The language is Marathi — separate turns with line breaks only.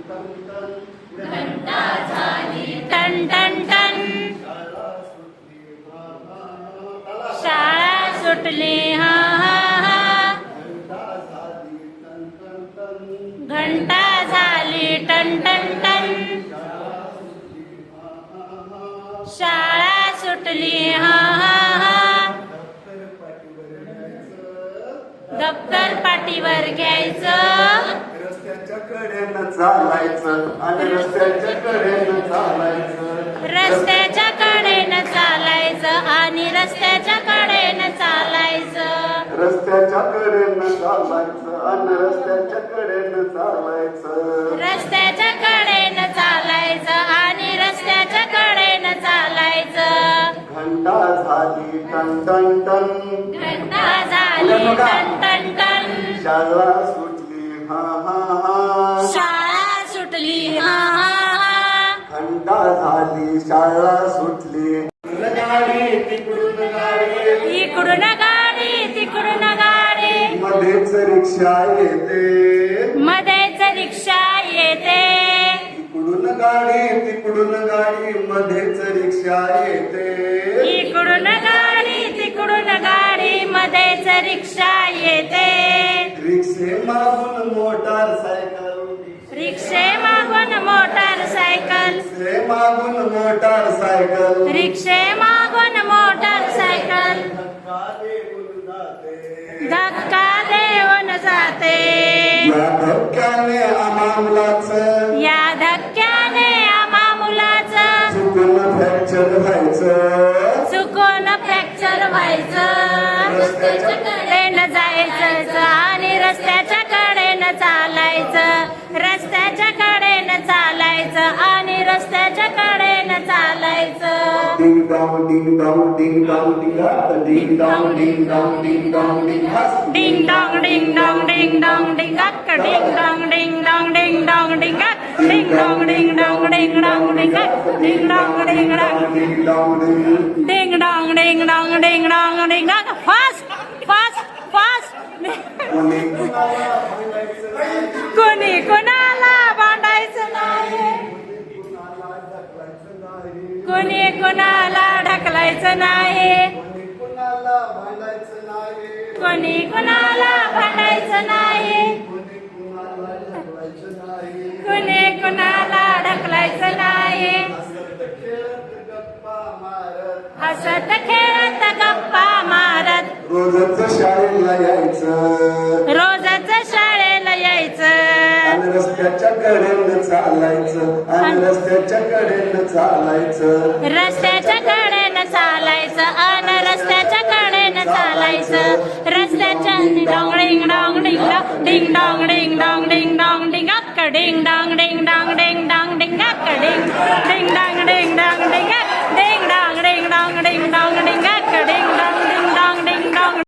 घंटा झाली टन टन टन, शाळा सुटली हा हा हा, घंटा झाली टन टन टन, शाळा सुटली हा हा हा, दप्तर पाठीवर घ्यायचं,
रस्त्याच्या कडेनं चालायचं आणि रस्त्याच्या कडेनं चालायचं,
रस्त्याच्या कडेनं चालायचं आणि रस्त्याच्या कडेनं चालायचं,
रस्त्याच्या कडेनं चालायचं आणि रस्त्याच्या कडेनं चालायचं,
रस्त्याच्या कडेनं चालायचं आणि रस्त्याच्या कडेनं चालायचं,
घंटा झाली टन टन टन,
घंटा झाली टन टन टन,
शाळा सुटली हा हा हा,
शाळा सुटली हा हा हा,
घंटा झाली शाळा सुटली, गाडी तिकडून गाडी,
इकडून गाडी तिकडून गाडी,
मध्येच रिक्षा येते,
मध्येच रिक्षा येते,
इकडून गाडी तिकडून गाडी, मध्येच रिक्षा येते,
इकडून गाडी तिकडून गाडी, मध्येच रिक्षा येते,
रिक्षे मागून मोटार सायकल,
रिक्षे मागून मोटार सायकल,
रिक्षे मागून मोटार सायकल,
रिक्षे मागून मोटार सायकल, धक्का देऊन जाते,
या धक्क्याने आम्हा मुलाचं,
या धक्क्याने आम्हा मुलाचं
चुकून फ्रॅक्चर व्हायचं,
चुकून फ्रॅक्चर व्हायचं,
रस्त्याच्या
कडेनं जायचं आणि रस्त्याच्या कडेनं चालायचं, रस्त्याच्या कडेनं चालायचं आणि रस्त्याच्या कडेनं चालायचं,
डिंग डॉंग डिंग डॉंग डिंग डॉंग डिंग डॉंग डिंग डॉंग डिंग डॉंग डिंग
डिंग डॉंग डिंग डॉंग डिंग डॉंग डिंग अक्क, डिंग डॉंग डिंग डॉंग डिंग डॉंग डिंग अक्क, डिंग डॉंग डिंग डॉंग डिंग डॉंग डिंग अक्क, डिंग डॉंग डिंग डॉंग
डिंग डॉंग डिंग,
डिंग डॉंग डिंग डॉंग डिंग डॉंग डिंग अक्क, फास्ट फास्ट फास्ट, कोणी कोणाला भांडायचं नाही, कोणी कोणाला ढकलायचं नाही, कोणी कोणाला भांडायचं नाही, कोणी कोणाला ढकलायचं नाही, हसत खेळत गप्पा मारत,
रोजच शाळेला यायचं,
रोजच शाळेला यायचं,
आणि रस्त्याच्या कडेनं चालायचं आणि रस्त्याच्या कडेनं चालायचं,
रस्त्याच्या